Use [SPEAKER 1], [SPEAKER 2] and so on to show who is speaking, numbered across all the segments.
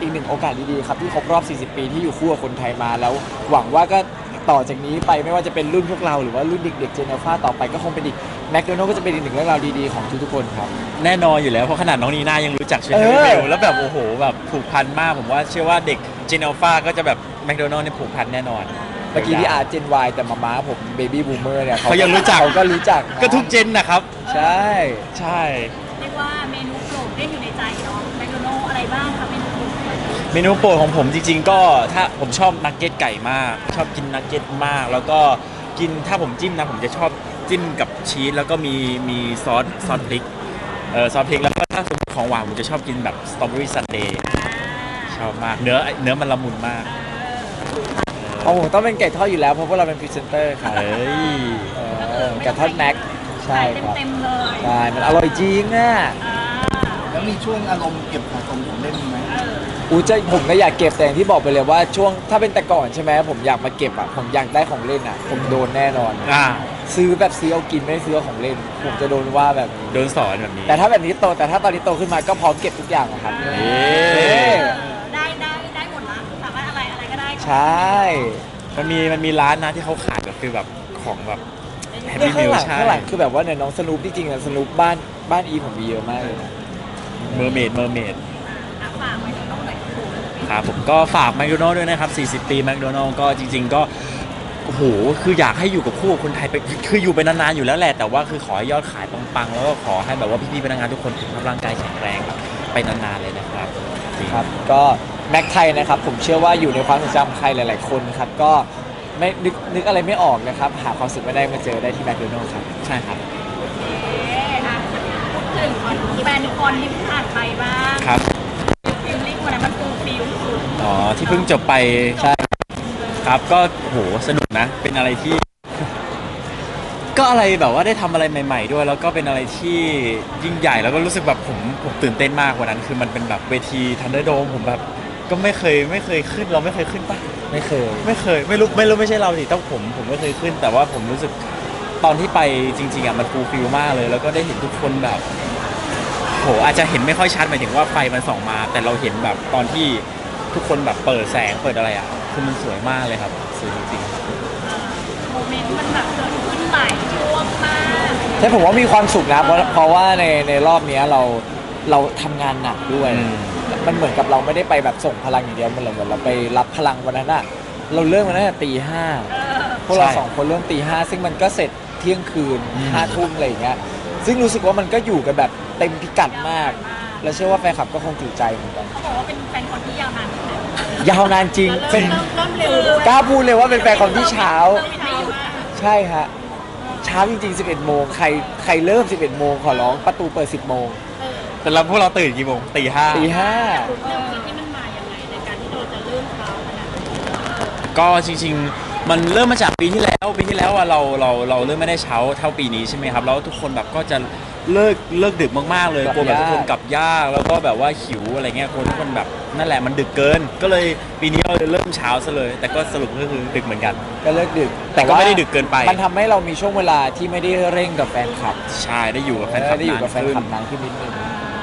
[SPEAKER 1] อีกหนึ่งโอกาสดีๆครับที่ครบรอบ 40 ปีที่อยู่คู่กับคนไทยมาแล้วหวังว่าก็ต่อจากนี้ไปไม่ว่าจะเป็นรุ่นพวกเราหรือว่ารุ่นเด็กๆเจเนฟ้าต่อไปก็คงเป็นอีกแมคโดนัลด์ก็จะเป็นอีกหนึ่งเรื่องราวดีๆของทุกๆคนครับ
[SPEAKER 2] แน่นอนอยู่แล้วเพราะขนาดน้องนีน่ายังรู้จักเชนเนอร์เบลแล้วแบบโอ้โหแบบผูกพันมากผมว่าเชื่อว่าเด็กเจเนลฟาก็จะแบบแมคโดนัลด์เนี่ยผูกพันแน่นอน
[SPEAKER 1] เมื่อกี้ที่อาร์เจนวายแต่มาผมเบบี้บูมเมอร์เนี่ย
[SPEAKER 2] เขายังรู้จัก
[SPEAKER 1] เขาก็รู้จัก
[SPEAKER 2] ก็ทุกเจนนะครับ
[SPEAKER 1] ใช่
[SPEAKER 2] ใช่
[SPEAKER 3] เรียกว่าเมนูโปรดได้อยู่ในใจเนาะแมคโดนัลด์อะไรบ้างคะเมนูโปรด
[SPEAKER 2] เมนูโปรดของผมจริงๆก็ถ้าผมชอบนักเก็ตไก่มากชอบกินนักเก็ตมากแล้วก็กินถ้าผมจิ้มนะผมจะชอบจิ้มกับชีสแล้วก็มีซอสพริกซอสพริกแล้วก็ถ้าสมมติของหวานผมจะชอบกินแบบสตรอเบอรี่ซันเดย์ชอบมากเนื้อมันละมุนมาก
[SPEAKER 1] ของผมต้องเป็นไก่ทอดอยู่แล้วเพราะพวกเราเป็นพรีเซนเตอร์ครับไก่ทอดแม็กใช่ครับ
[SPEAKER 3] เต็มๆเลย
[SPEAKER 1] ใช่มันอร่อยจริงอ่ะ
[SPEAKER 4] แล้วมีช่วงอารมณ์เก็บสะสมของเล่นไหม
[SPEAKER 1] ผมก็อยากเก็บแต่อย่างที่บอกไปเลยว่าช่วงถ้าเป็นแต่ก่อนใช่ไหมผมอยากมาเก็บอ่ะผมอยากได้ของเล่นอ่ะผมโดนแน่นอนซื้อแบบซื้อเอากินไม่ได้ซื้อของเล่นผมจะโดนว่าแบบนี้
[SPEAKER 2] โดนสอนแบบนี้
[SPEAKER 1] แต่ถ้าแบบนี้โตแต่ถ้าตอนนี้โตขึ้นมาก็พร้อมเก็บทุกอย่างครับ
[SPEAKER 3] ได้หมดละสามารถอะไรก็ได้
[SPEAKER 1] ใช่
[SPEAKER 2] มันมีร้านนะที่เขาขายแบบคือแบบของแบบแฮปปี้
[SPEAKER 1] ข้า
[SPEAKER 2] มิล
[SPEAKER 1] งหลัง
[SPEAKER 2] ใช่
[SPEAKER 1] ข้างหลังคือแบบว่าเนี่ยน้องสนุปที่จริงอะสนุปบ้านอีผมมีเยอะมากเลยนะ
[SPEAKER 2] เมอร์เมด
[SPEAKER 3] ฝากไว้ต้องไหน
[SPEAKER 2] ครับผมก็ฝากแมคโดนัลด์ด้วยนะครับ40 ปีแมคโดนัลด์ก็จริงๆก็โอ้โหคืออยากให้อยู่กับคู่คนไทยไปคืออยู่ไปนานๆอยู่แล้วแหละแต่ว่าคือขอให้ยอดขายปังๆแล้วก็ขอให้แบบว่าพี่ๆพนักงานทุกคนสุขภาพร่างกายแข็งแรงไปนานๆเลยนะครับ
[SPEAKER 1] ครับก็แม็กไทยนะครับผมเชื่อว่าอยู่ในความทรงจำใครหลายๆคนครับก็ไม่นึกอะไรไม่ออกนะครับหาความสุขไม่ได้มาเจอได้ที่แมคโดนัลด์ครับ
[SPEAKER 2] ใช่ครับ
[SPEAKER 3] พูดถึงแฟนคอนที่ผ่านไปบ้าง
[SPEAKER 2] ครับ
[SPEAKER 3] ฟิลลิ่งวันนั้นมันฟูลฟิลสุด
[SPEAKER 2] ที่เพิ่งจบไปใช่ครับก็โหสนุกนะเป็นอะไรที่ก็อะไรแบบว่าได้ทำอะไรใหม่ๆด้วยแล้วก็เป็นอะไรที่ยิ่งใหญ่แล้วก็รู้สึกแบบผมตื่นเต้นมากกว่านั้นคือมันเป็นแบบเวทีทันเดอร์โดมผมแบบก็ไม่เคยขึ้นเราไม่เคยขึ้นปะ
[SPEAKER 1] ไม่เคย
[SPEAKER 2] ไม่รู้ไม่ใช่เราสิต้องผมไม่เคยขึ้นแต่ว่าผมรู้สึกตอนที่ไปจริงๆอ่ะมันฟูลฟิลมากเลยแล้วก็ได้เห็นทุกคนแบบโหอาจจะเห็นไม่ค่อยชัดหมายถึงว่าไฟมันส่องมาแต่เราเห็นแบบตอนที่ทุกคนแบบเปิดแสงเปิดอะไรอ่ะคือมันสวยมากเลยครับสวยจริง
[SPEAKER 3] โมเมนต์มันแบบเกิดขึ้นหลายช่วงมาก
[SPEAKER 1] ใช่ผมว่ามีความสุขนะเพราะว่าในรอบนี้เราทำงานหนักด้วยมันเหมือนกับเราไม่ได้ไปแบบส่งพลังอย่างเดียวมันเหมือนเราไปรับพลังวันนั้นอะเราเริ่มกันตั้งแต่ตี 5พวกเรา2 คนเริ่มตี 5ซึ่งมันก็เสร็จเที่ยงคืน5 ทุ่มอะไรอย่างเงี้ยซึ่งรู้สึกว่ามันก็อยู่กันแบบเต็มพิกัดมากและเชื่อว่าแฟนคลับก็คงจุใจเหมือนกัน
[SPEAKER 3] เขาบอกว่าเป็นแฟนคอนที่ยาวนานที่สุด
[SPEAKER 1] ยาวนานจริงเป็น
[SPEAKER 3] เร็ว
[SPEAKER 1] กล้าพูดเลยว่าเป็นแฟนคอนที่เช้าใช่ฮะเช้าจริงๆ11 โมงใครเริ่ม11 โมงขอร้องประตูเปิด10 โมง
[SPEAKER 2] แต่พวกเราตื่นกี่โมงตี 5
[SPEAKER 1] ที่
[SPEAKER 3] มันมาอย่างไรในการที่เราจะเริ่มเช้าขนาดนี้
[SPEAKER 2] ก็จริงๆมันเริ่มมาจากปีที่แล้วอ่ะเราเริ่มไม่ได้เช้าเท่าปีนี้ใช่ไหมครับแล้วทุกคนแบบก็จะเลิกดึกมากๆเลยกลัวแบบทุกคนกลับยากแล้วก็แบบว่าหิวอะไรเงี้ยคนทุกคนแบบนั่นแหละมันดึกเกินก็เลยปีนี้เราเริ่มเช้าซะเลยแต่ก็สรุปก็คือดึกเหมือนกัน
[SPEAKER 1] ก็เลิกดึก
[SPEAKER 2] แต่ก็ไม่ได้ดึกเกินไป
[SPEAKER 1] มันทำให้เรามีช่วงเวลาที่ไม่ได้เร่งกับแฟนคลับ
[SPEAKER 2] ใช่ได้อยู่กับแฟนคลับ
[SPEAKER 1] นานขึ้นนิดนึง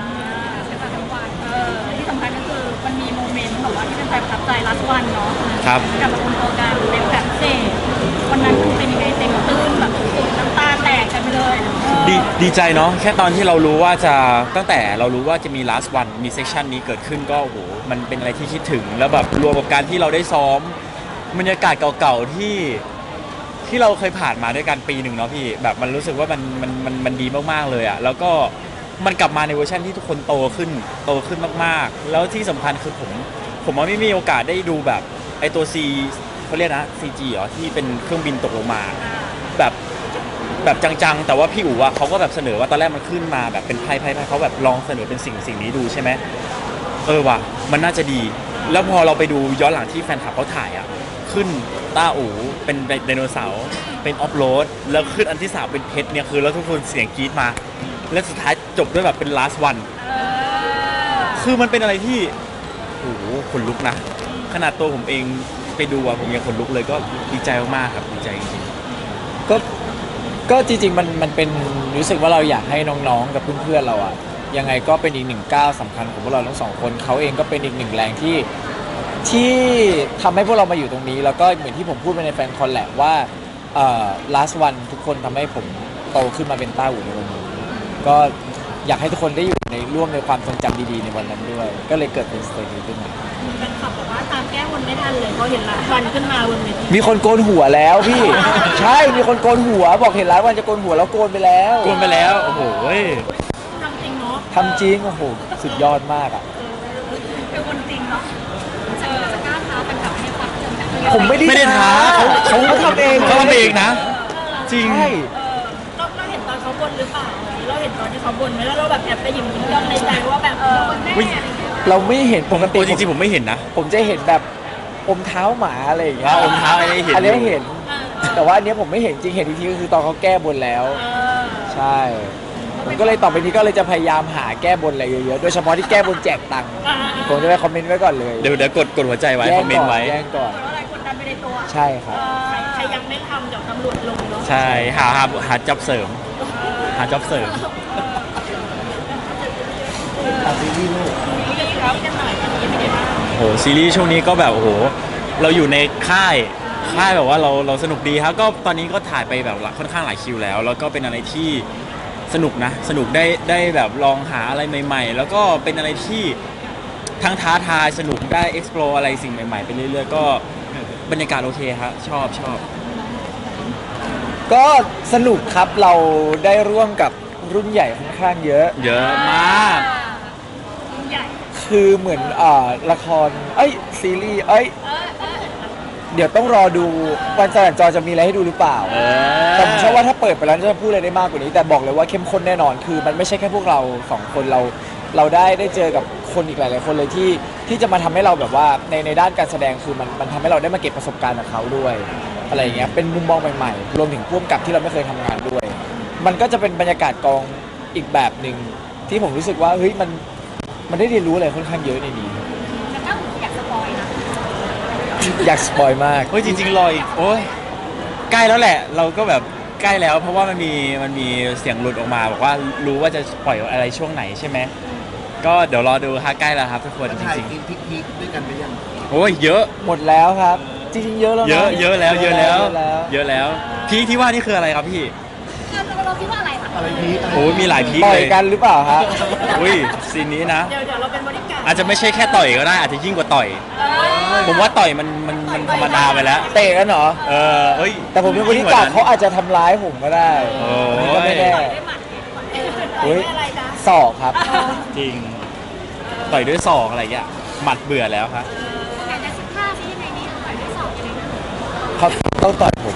[SPEAKER 3] ที่สำคัญก็คือมันมีโมเมนต์แบบว่าที่เป็นแฟนประทับใจลัสวันเนาะ
[SPEAKER 2] ครับ
[SPEAKER 3] กับคนโตกันเป็นแบบเซ่วันนั้นเป็นยังไงเต็มตื้นแบบน้ำตาแตกกันไปเลย
[SPEAKER 2] ดีใจเนาะแค่ตอนที่เรารู้ว่าจะตั้งแต่เรารู้ว่าจะมี last one มีเซสชันนี้เกิดขึ้นก็โอ้โหมันเป็นอะไรที่คิดถึงแล้วแบบรวมกับการที่เราได้ซ้อมบรรยากาศเก่าๆที่เราเคยผ่านมาด้วยกันปีหนึ่งเนาะพี่แบบมันรู้สึกว่ามันดีมากๆเลยอะแล้วก็มันกลับมาในเวอร์ชันที่ทุกคนโตขึ้นมากๆแล้วที่สำคัญคือผมว่าไม่มีโอกาสได้ดูแบบไอตัว C เขาเรียกนะ CG เหรอที่เป็นเครื่องบินตกลงมาแบบจังๆแต่ว่าพี่อู๋อะเขาก็แบบเสนอว่าตอนแรกมันขึ้นมาแบบเป็นไพ่เขาแบบลองเสนอเป็นสิ่งนี้ดูใช่ไหมว่ะมันน่าจะดีแล้วพอเราไปดูย้อนหลังที่แฟนคลับเขาถ่ายอะขึ้นต้าอู๋เป็นไดโนเสาร์เป็นออฟโรดแล้วขึ้นอันที่3เป็นเพชรเนี่ยคือแล้วทุกคนเสียงกรี๊ดมาและสุดท้ายจบด้วยแบบเป็น last one คือมันเป็นอะไรที่โอ้โหขนลุกนะขนาดตัวผมเองไปดูอะผมยังขนลุกเลยก็ดีใจมากๆครับดีใจจริง
[SPEAKER 1] ๆก็จริงๆมันเป็นรู้สึกว่าเราอยากให้น้องๆกับเพื่อนๆเราอะยังไงก็เป็นอีกหนึ่งก้าวสำคัญของพวกเราทั้งสองคนเขาเองก็เป็นอีกหนึ่งแรงที่ทำให้พวกเรามาอยู่ตรงนี้ แล้วก็เหมือนที่ผมพูดไปในแฟนคอนแหละว่าlast one ทุกคนทำให้ผมโตขึ้นมาเป็นต้าอู่ในวันนี้ก็อยากให้ทุกคนได้อยู่ในร่วมในความทรงจำดีๆในวันนั้นด้วย ก็เลยเกิดเป็นสเตจนี้ขึ้นมา
[SPEAKER 3] แฟนคลับบอกว่าตามแก้บนไม่ทันเลยเพราะเห็นหลายวันขึ้นมาบนเวที
[SPEAKER 1] มีคนโกนหัวแล้วพี่ ใช่มีคนโกนหัวบอกเห็นร้านวันจะโกนหัวแล้วโกนไปแล้ว
[SPEAKER 2] โกนไปแล้วโอ้โห
[SPEAKER 3] ทำจริงเนาะ
[SPEAKER 1] ทำจริงโอ้โหสุดยอดมากอ่ะ
[SPEAKER 3] เป็นคนจริงเนาะจะกล้าท้าแฟนคลับให้ควักเงินแบบ
[SPEAKER 1] ผมไม่
[SPEAKER 2] ไม่ได้
[SPEAKER 1] ได้
[SPEAKER 2] ท้าเขา
[SPEAKER 1] ทำเอง
[SPEAKER 2] เขาทำเองนะ จริง
[SPEAKER 1] ใช่
[SPEAKER 3] เราเห็นตอนเขาบนหรือเปล่าเราเห็นตอนที่เขาบนไหมแล้วเราแบบแอบไปยิ้มย่องในใจว่าแบบคนแม่อะไรอย่างเงี้ย
[SPEAKER 1] เราไม่เห็นปกติ
[SPEAKER 2] โอ้จริงๆผมไม่เห็นนะ
[SPEAKER 1] ผมจะเห็นแบบอมเท้าหมาอะไรอย่างเงี้ย
[SPEAKER 2] อมเท้าอะไรเห็น
[SPEAKER 1] อันนี้
[SPEAKER 2] อยู่
[SPEAKER 1] เห็น แต่ว่าอันเนี้ยผมไม่เห็นจริงเห็นอีกทีก็คือตอนเขาแก้บนแล้ว ใช่ ผมก็เลยต่อไปนี้ก็เลยจะพยายามหาแก้บนอะไรเยอะๆ โดยเฉพาะที่แก้บนแจกตังค์ ผมจะไปคอมเมนต์ไว้ก่อนเลย
[SPEAKER 2] เดี๋ยวกดหัวใจไว้คอมเมนต์ไว้
[SPEAKER 1] แย่งก่อน
[SPEAKER 3] เพราะอะไรคนดันไปในตัว
[SPEAKER 1] ใช่ครับ
[SPEAKER 3] ใครยังไม่ทำเดี๋ยวตำรวจลงเนาะ
[SPEAKER 2] ใช่หาจ็อบเสริม หาจ็อบเสริม
[SPEAKER 4] ซีรีส์ลูก
[SPEAKER 3] นี่จะครับกันหน่อยตอนนี้เป็นไงบ้าง
[SPEAKER 2] โหซีรีส์ช่วงนี้ก็แบบโอ้โหเราอยู่ในค่ายแบบว่าเราสนุกดีครับก็ตอนนี้ก็ถ่ายไปแบบค่อนข้างหลายคิวแล้ว แล้วก็เป็นอะไรที่สนุกนะสนุกได้แบบลองหาอะไรใหม่ๆ แล้วก็เป็นอะไรที่ทั้งท้าทายสนุกได้ explore อะไรสิ่งใหม่ๆไปเรื่อยๆก็บรรยากาศโอเคครับชอบ
[SPEAKER 1] ก็สนุกครับเราได้ร่วมกับรุ่นใหญ่ค่อนข้างเยอะ
[SPEAKER 2] เยอะมาก
[SPEAKER 3] ใหญ่
[SPEAKER 1] คือเหมือนละครซีรีส์เดี๋ยวต้องรอดูวันจันทร์จอจะมีอะไรให้ดูหรือเปล่า แต่ผมเชื่อว่าถ้าเปิดไปแล้วจะพูดอะไรได้มากกว่านี้แต่บอกเลยว่าเข้มข้นแน่นอนคือมันไม่ใช่แค่พวกเราสองคนเราได้เจอกับคนอีกหลายๆคนเลยที่จะมาทำให้เราแบบว่าในด้านการแสดงคือมันทำให้เราได้มาเก็บประสบการณ์กับเขาด้วยอะไรอย่างเงี้ยเป็นมุมมองใหม่ๆรวมถึงพ่วงกับที่เราไม่เคยทำงานด้วย มันก็จะเป็นบรรยากาศกองอีกแบบหนึ่งที่ผมรู้สึกว่าเฮ้ยมันได้เรียนรู้อะไรค่อนข้างเยอะในนี้
[SPEAKER 3] แต่ถ้าอยากสปอยนะ
[SPEAKER 1] อยากสปอยมาก
[SPEAKER 2] เฮ้ยจริงๆรออีกโอ้ยใกล้แล้วแหละ เราก็แบบใกล้แล้ว เพราะว่ามันมีเสียงหลุดออกมาบอกว่ารู้ว่าจะปล่อยอะไรช่วงไหนใช่ไหมก็เดี๋ยวรอดูฮะใกล้แล้วครับทุกคนจ
[SPEAKER 4] ถ่าย
[SPEAKER 2] ริง
[SPEAKER 4] กินพิกๆด้วยกันไปยัง
[SPEAKER 2] ๆโอ้ยเยอะ
[SPEAKER 1] หมดแล้วครับ จริงๆเยอะแล้วนะ
[SPEAKER 2] เยอะแล้ว
[SPEAKER 1] เยอะแล้ว
[SPEAKER 2] พีคที่ว่านี่คืออะไรครับพี่
[SPEAKER 3] เราคิดว่าอะไรคะ
[SPEAKER 4] อะไรพีคอะไร
[SPEAKER 2] โอ้ยมีหลายพีค
[SPEAKER 1] ต่อ
[SPEAKER 2] เลย ย
[SPEAKER 1] กันหรือเปล่าฮะ
[SPEAKER 2] อุ้ยซีนนี้นะ
[SPEAKER 3] เดี๋ยวเราเป็นบริการ
[SPEAKER 2] อาจจะไม่ใช่แค่ต่อยก็ได้อาจจะยิ่งกว่าต่อย ผมว่าต่อยมันธรรมดาไปแล้ว
[SPEAKER 1] เตะกันเหรอ
[SPEAKER 2] เอ้ย
[SPEAKER 1] แต่ผมเป็นบริการเขาอาจจะทำร้ายผมก็ได้
[SPEAKER 2] โอ้
[SPEAKER 1] อันนี้ก็ไม่แน่
[SPEAKER 3] ได้หมัด
[SPEAKER 1] เฮ้ย
[SPEAKER 3] อะไรจ๊ะ
[SPEAKER 1] ศอกครับ
[SPEAKER 2] จริง ต่อยด้วยศอกอะไรอย่างเงี้ยหมัดเบื่อแล้วครับ
[SPEAKER 3] แต่จะสิบห้าที่ยังไงนี่ต่อยด้วยสอบยังไงนะ
[SPEAKER 1] เขาต้องต่อยผม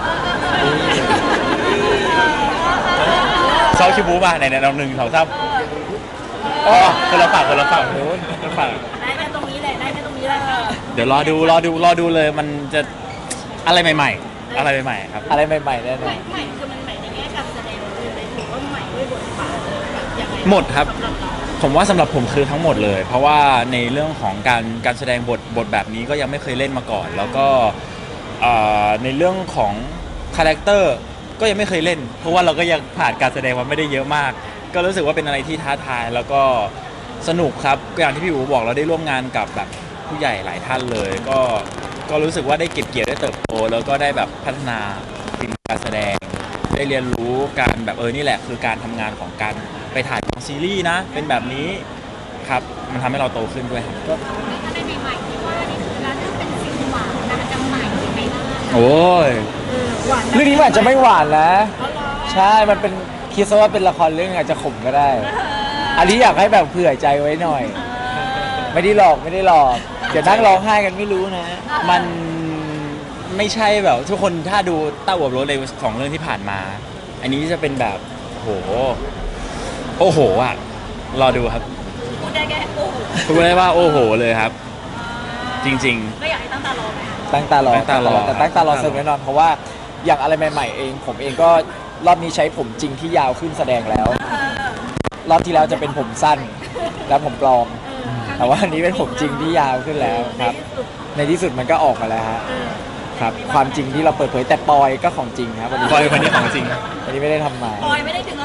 [SPEAKER 2] เซาคิบูป่ะไหนๆเรา1 2 3อ๋อคนละฝั่งคนละฝั่ง
[SPEAKER 3] ได้แค่ตรงนี้เลยได้แค่ตรงนี้เลย
[SPEAKER 2] เดี๋ยวรอดูเลยมันจะอะไรใหม่ๆ อะไรใหม่ๆครับ
[SPEAKER 1] อะไรใหม่ๆแน่นอน
[SPEAKER 3] ใหม่คือมันใหม่ในแง่การแสดงเลยถือว่าใหม่ด้วยบทบาทแบบยังไง
[SPEAKER 2] หมดครับ
[SPEAKER 3] สำหรับเรา
[SPEAKER 2] ผมว่าสำหรับผมคือทั้งหมดเลย เพราะว่าในเรื่องของการแสดงบทแบบนี้ก็ยังไม่เคยเล่นมาก่อน แล้วก็ในเรื่องของคาแรคเตอร์ก็ยังไม่เคยเล่น เพราะว่าเราก็ยังผ่านการแสดงมาไม่ได้เยอะมาก ก็รู้สึกว่าเป็นอะไรที่ท้าทายแล้วก็สนุกครับก็อย่างที่พี่อู๋บอกเราได้ร่วมงานกับแบบผู้ใหญ่หลายท่านเลย ก็รู้สึกว่าได้เก็บเกี่ยวได้เติบโตแล้วก็ได้แบบพัฒนาฝีมือการแสดง ได้เรียนรู้การแบบนี่แหละคือการทำงานของการไปถ่ายของซีรีส์นะ เป็นแบบนี้ครับมันทำให้เราโตขึ้นด้วยครับ
[SPEAKER 3] อะไรใหม่ๆที่ว่านี่คือร้านที่เป็นสิ่งหวานนะมันจะใหม่ยังไงบ้าง
[SPEAKER 2] โอ้ย
[SPEAKER 3] หวาน
[SPEAKER 1] เรื่องนี้มันอาจจะไม่หวานนะ ใช่ มันเป็นคิดซะว่าเป็นละครเรื่องอาจจะขมก็ได้ อันนี้อยากให้แบบเผื่อใจไว้หน่อย ไม่ได้หลอกเดี๋ยวนั่งร้องไห้กันไม่รู้นะ
[SPEAKER 2] มันไม่ใช่แบบทุกคนถ้าดูเต้าอวบรถเลยของเรื่องที่ผ่านมา อันนี้จะเป็นแบบโอ้โหอ่ะรอดูครับ
[SPEAKER 3] พูดได้แค่โอ้โห
[SPEAKER 2] พูดได้ว่าโอ้โหเลยครับ จริง
[SPEAKER 3] ก็อยากให้ตั้งตารอไหมคะ
[SPEAKER 1] ตั้งตารอ
[SPEAKER 2] ตั้งตารอ
[SPEAKER 1] แต่ตั้งตารอสนุกแน่นอนเพราะว่าอย่างอะไรใหม่ๆเองผมเองก็รอบนี้ใช้ผมจริงที่ยาวขึ้นแสดงแล้ว รอบที่แล้วจะเป็นผมสั้นแล้วผมปลอม แต่ว่าอันนี้เป็นผมจริงที่ยาวขึ้นแล้วครับ ในที่สุดมันก็ออกมาแล้วฮะครับความจริงที่เราเปิดเผยแต่ปอยก็ของจริงครับวันนี้
[SPEAKER 2] ปอยวันนี้ของจริง
[SPEAKER 1] วันนี้ไม่ได้ทำมา
[SPEAKER 3] ปอยไม่ได้ถึงแล้วหลุด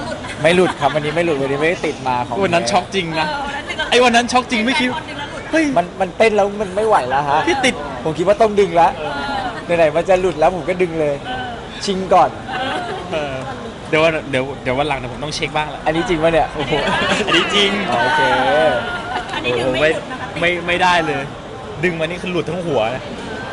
[SPEAKER 1] ไม่หลุดครับวันนี้ไม่หลุดวันนี้ไม่ได้ติดมาของ
[SPEAKER 2] วันนั้นช็อกจริงนะ
[SPEAKER 3] วันนั้นดึงแล้ว
[SPEAKER 2] ไอ้วันนั้นช็อกจริงไม่คิด
[SPEAKER 3] คนดึงแล้วหลุด
[SPEAKER 2] เฮ้ย
[SPEAKER 1] มันเต้นแล้วมันไม่ไหวแล้วฮะ
[SPEAKER 2] พี่ติด
[SPEAKER 1] ผมคิดว่าต้องดึงแล้วไหนๆมันจะหลุดแล้วผมก็ดึงเลย ชิงก่อน
[SPEAKER 2] เออเดี๋ยววันหลังนะผมต้องเช็คบ้างละ
[SPEAKER 1] อันนี้จริงป่ะเนี่ยโอ้โห
[SPEAKER 2] อันนี้จริง
[SPEAKER 1] อ๋อโอเค
[SPEAKER 3] อันนี้
[SPEAKER 2] โอ้
[SPEAKER 3] ดึ
[SPEAKER 2] โห
[SPEAKER 3] งไม่หลุดนะคะ
[SPEAKER 2] ไม่ได้เลย ดึงมานี่คือหลุดทั้งหัวนะ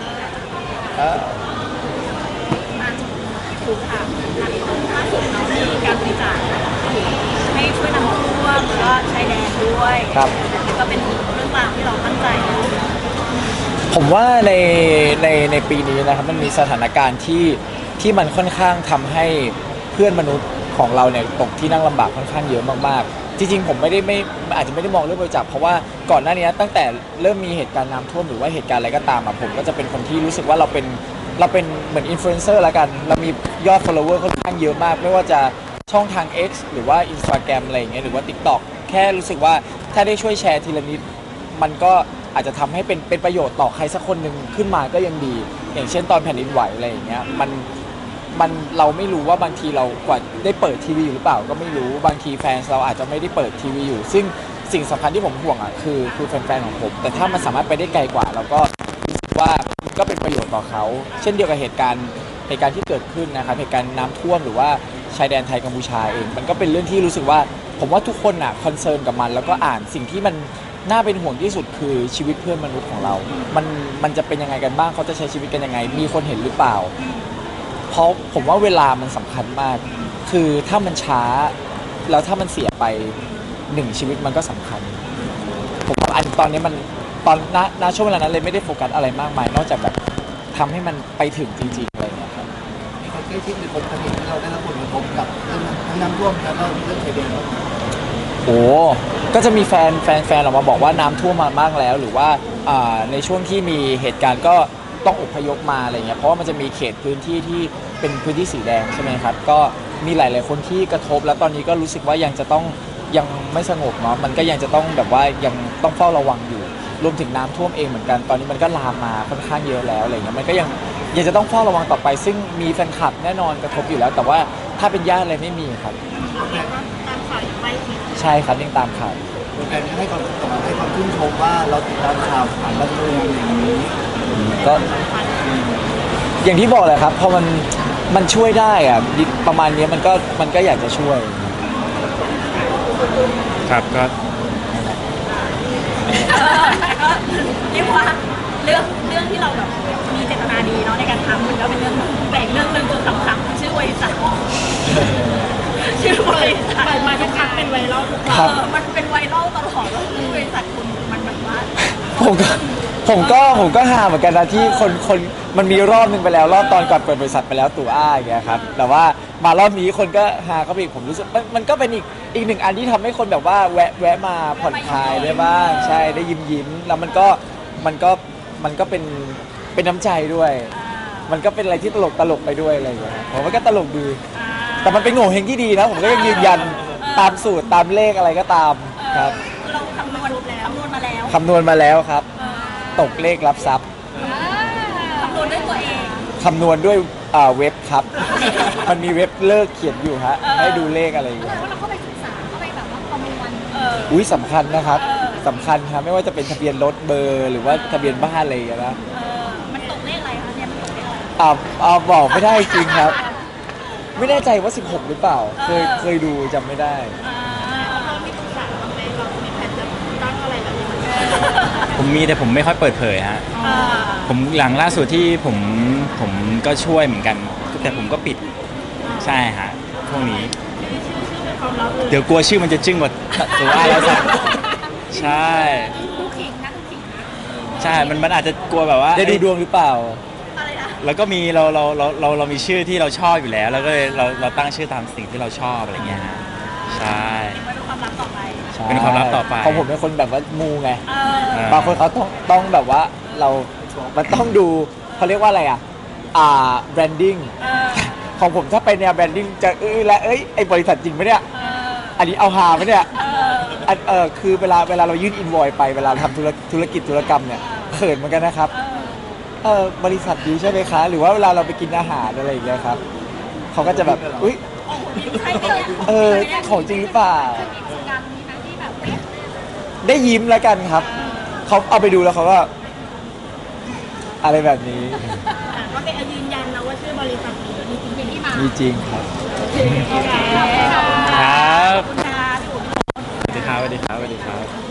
[SPEAKER 3] ถูกค่ะล่าสุดเรามีการบริจาคให้ช่วยน้ำท่วมแล้วก็ชายแดนด้วย
[SPEAKER 1] ครับ
[SPEAKER 3] ก็เป็นเรื่องราวที่เราตั้งใจเนอะ
[SPEAKER 1] ผมว่าในปีนี้นะครับมันมีสถานการณ์ที่มันค่อนข้างทำให้เพื่อนมนุษย์ของเราเนี่ยตกที่นั่งลำบากค่อนข้างเยอะมากๆจริงๆผมไม่อาจจะไม่ได้มองเรื่องบริจาคเพราะว่าก่อนหน้านี้ตั้งแต่เริ่มมีเหตุการณ์น้ำท่วมหรือว่าเหตุการณ์อะไรก็ตามอะผมก็จะเป็นคนที่รู้สึกว่าเราเป็นเหมือนอินฟลูเอนเซอร์ละกันเรามียอด follower ค่อนข้างเยอะมากไม่ว่าจะช่องทาง X หรือว่า Instagram อะไรอย่างเงี้ยหรือว่า TikTok แค่รู้สึกว่าถ้าได้ช่วยแชร์ทีละนิดมันก็อาจจะทำให้เป็นประโยชน์ต่อใครสักคนหนึ่งขึ้นมาก็ยังดี อย่างเช่นตอนแผ่นดินไหวอะไรอย่างเงี้ยมันเราไม่รู้ว่าบางทีเรากว่าได้เปิดทีวีอยู่หรือเปล่าก็ไม่รู้บางทีแฟนเราอาจจะไม่ได้เปิดทีวีอยู่ซึ่งสิ่งสำคัญที่ผมห่วงอ่ะคือแฟนๆของผมแต่ถ้ามันสามารถไปได้ไกลกว่าเราก็รู้สึกว่ามันก็เป็นประโยชน์ต่อเขาเช่นเดียวกับเหตุการณ์ที่เกิดขึ้นนะครับเหตุการณ์น้ำท่วมหรือว่าชายแดนไทยกัมพูชาเองมันก็เป็นเรื่องที่รู้สึกว่าผมว่าทุกคนอ่ะคอนเซิร์นกับมันแล้วก็อ่านสิ่งที่มันน่าเป็นห่วงที่สุดคือชีวิตเพื่อนมนุษย์ของเรา มันจะเป็นยังไงกันบ้างเขาจะใช้ชีวิตกันยังไงมีคนเห็นหรือเปล่า เพราะผมว่าเวลามันสำคัญมาก คือถ้ามันช้าแล้วถ้ามันเสียไป1ชีวิตมันก็สำคัญ ผมว่าอันตอนนี้มันตอนณช่วงเวลานั้นเลยไม่ได้โฟกัสอะไรมากมาย นอกจากแบบทำให้มันไปถึงจริงๆอะไรอย่างเงี้ยครับ
[SPEAKER 4] มีคนใกล้ชิดหรือคนสนิทที่เราได้รับผลกระทบกับเรื่องทั้งน้ำท่วมแล้วก็เรื่องชายแดน
[SPEAKER 1] โอ้ก็จะมีแฟนออกมาบอกว่าน้ำท่วมมามากแล้ว หรือว่าในช่วงที่มีเหตุการณ์ก็ต้องอพยพมาอะไรเงี้ยเพราะว่ามันจะมีเขตพื้นที่ที่เป็นพื้นที่สีแดงใช่ไหมครับก็มีหลายๆคนที่กระทบแล้วตอนนี้ก็รู้สึกว่ายังไม่สงบเนาะมันก็ยังจะต้องแบบว่ายังต้องเฝ้าระวังอยู่รวมถึงน้ำท่วมเองเหมือนกันตอนนี้มันก็ลามมาค่อนข้างเยอะแล้วอะไรเงี้ยมันก็ยังจะต้องเฝ้าระวังต่อไป ซึ่งมีแฟนคลับแน่นอนกระทบอยู่แล้ว แต่ว่าถ้าเป็นญาติอะไรไม่มีครับ
[SPEAKER 3] ตามข่าวอย่างใกล้ชิด
[SPEAKER 1] ใช่ครับยังตามข่าว
[SPEAKER 4] แฟนๆให้ความชื่นชมว่าเราติดตามข่าวผ่านบันเทิงอย่างนี้
[SPEAKER 1] ก็อย่างที่บอกแหละครับพอมันช่วยได้อะประมาณนี้มันก็อยากจะช่วย
[SPEAKER 2] ครับก็
[SPEAKER 3] แต่ก็เรียกว่าเรื่องที่เราแบบมีเจตนาดีเนาะในการทำมันก็เป็นเรื่องแต่อีกเรื่องหนึ่งคือสำคัญชื่อบริษัทชื่อบริษัทมาทุกครั้งเป็นไวรัลทุกครั้ง
[SPEAKER 1] ครับ
[SPEAKER 3] มันเป็นไวรัลตลอดแล้วชื่อบริษัทคุณมันแบบว่า
[SPEAKER 1] ผมก็หาเหมือนกันนะที่คนมันมีรอบนึงไปแล้วรอบตอนก่อนเปิดบริษัทไปแล้วตู่อ้าอย่างเงี้ยครับแต่ว่ามารอบนี้คนก็หาเข้าไปอีกผมรู้สึกมันก็เป็นอีกหนึ่งอันที่ทำให้คนแบบว่าแวะมาผ่อนคลายได้บ้างใช่ได้ยิ้มแล้วมันก็เป็นน้ำใจด้วย มันก็เป็นอะไรที่ตลกไปด้วยอะไรอย่างเงี้ยผมว่าก็ตลกดีแต่มันเป็นโง่เฮงที่ดีนะผมก็ยังยืนยันตามสูตรตามเลขอะไรก็ตามครับ
[SPEAKER 3] เราคำนวณมาแล้ว
[SPEAKER 1] คำนวณมาแล้วครับ ตกเลขรับทรัพย์
[SPEAKER 3] คำนวณด้วยตัวเอง
[SPEAKER 1] คำนวณด้วยเว็บครับ มันมีเว็บเลิกเขียนอยู่ฮะให้ดูเลขอะไรอย่างเงี้ย
[SPEAKER 3] ว่าเราเข้าไปศึกษาเข้าไปแบบว่าคำนวณ
[SPEAKER 1] อุ้ยสำคัญนะครับสำคัญครับไม่ว่าจะเป็นทะเบียนรถเบอร์ หรือว่าทะเบียนบ้านอะไรอย่างเงี้ยนะ
[SPEAKER 3] มันตกเลขอะไรคะเนี่ยมันตกเลขอะไร
[SPEAKER 1] บอกไม่ได้จริงครับ ไม่แน่ใจว่า 16 หรือเปล่า เคยดูจำไม่ได้
[SPEAKER 3] เรามีปรึกษาบ้างไหมเรามีแผนจะตั้งอะไรแบบนี้
[SPEAKER 2] ผมมีแต่ผมไม่ค่อยเปิดเผยฮะผมหลังล่าสุดที่ผมก็ช่วยเหมือนกัน แต่ผมก็ปิดใช่ฮะพวกนี้
[SPEAKER 3] เป็นความลับเลย
[SPEAKER 2] เดี๋ยวกลัวชื่อมันจะจึ้งกว่าตัวอ้าแล้วสักใช่
[SPEAKER 3] คู่ขิงนะคู่ขิงนะ
[SPEAKER 2] ใช่มันอาจจะกลัวแบบว่า
[SPEAKER 1] ได้ดูดวงหรือเปล่า
[SPEAKER 3] อะไรนะ
[SPEAKER 2] แล้วก็มีเรามีชื่อที่เราชอบอยู่แล้ว แล้วก็เลยเราตั้งชื่อตามสิ่งที่เราชอบอะไรเงี้ยฮะใช่
[SPEAKER 3] เป็นความลับต่อไป
[SPEAKER 2] เป็นความลับต่อไป
[SPEAKER 1] ของผมเป็นคนแบบว่ามูไง
[SPEAKER 2] อ่า
[SPEAKER 1] บางคนเขาต้องแบบว่ามันต้องดูเขาเรียกว่าอะไรแบรนดิ้งของผมถ้าไปแนวแบรนดิ้งจะไอ้บริษัทจริงไหมเนี่ย อันนี้เอาหาไหมเนี่ยคือเวลาเรายื่นอินวอยไปเวลาทำธุรกิจธุรกรรมเนี่ยเขินเหมือนกันนะครับบริษัทดีใช่ไหมคะ หรือว่าเวลาเราไปกินอาหารอะไรอย่างเงี้ยครับเขาก็จะแบบอุ้ย
[SPEAKER 3] ใช่ไหมเนี่ย
[SPEAKER 1] ของจริงหรือเปล่า
[SPEAKER 3] มีประสบการณ์นี้ไหมที่แบบเอ๊ะ
[SPEAKER 1] ได้ยิ้มแล้วกันครับ เขาเอาไปดูแล้วเขาก็ อะไรแบบนี้
[SPEAKER 3] ก็เป็นยืนยันนะว่าชื่อบริษัทนี้มีจริงๆที่มา
[SPEAKER 1] มีจริงครับ
[SPEAKER 3] โอเคขอบคุณค่ะ
[SPEAKER 2] ครับ
[SPEAKER 3] ขอบคุณค่ะพี่อุ๋ม
[SPEAKER 2] สวัสดีครับสวัสดีครับสวัสดีครับ